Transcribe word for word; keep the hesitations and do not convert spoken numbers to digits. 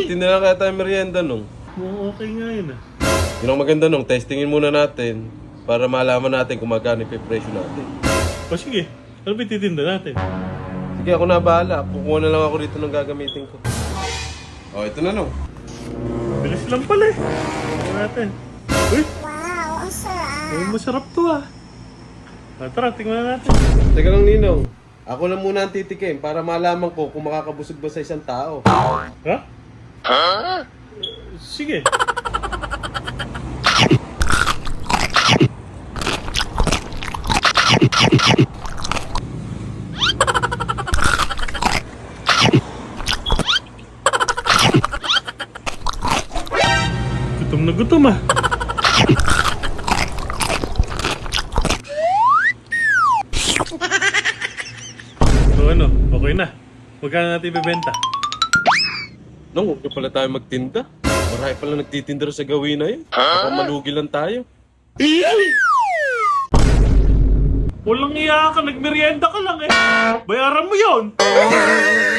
Magtinda na kaya tayo merienda nung. Mukhang okay nga yun ah. Yun ang maganda nung, testingin muna natin para malaman natin kung magkano yung presyo natin. O sige, ano ba ititinda natin? Sige, ako na bahala. Kukuha na lang ako dito ng gagamitin ko. O, ito na nung. Bilis lang pala eh. Tingnan natin. Uy! Wow, ang sarap. Ay, masarap to ah. Ah, tara, tingnan natin. Teka lang, Ninong. Ako lang muna ang titikim para malaman ko kung makakabusog ba sa isang tao. Ha? Ha? Sige. Gutom na gutom ah. So ano, okay na. Magkano natin ibebenta? Nung, huwag na pala tayo magtinda. Marami pala nagtitinda sa gawin na yun. Baka malugi lang tayo. Walang iya ka, nagmerienda ka lang eh. Bayaran mo yon.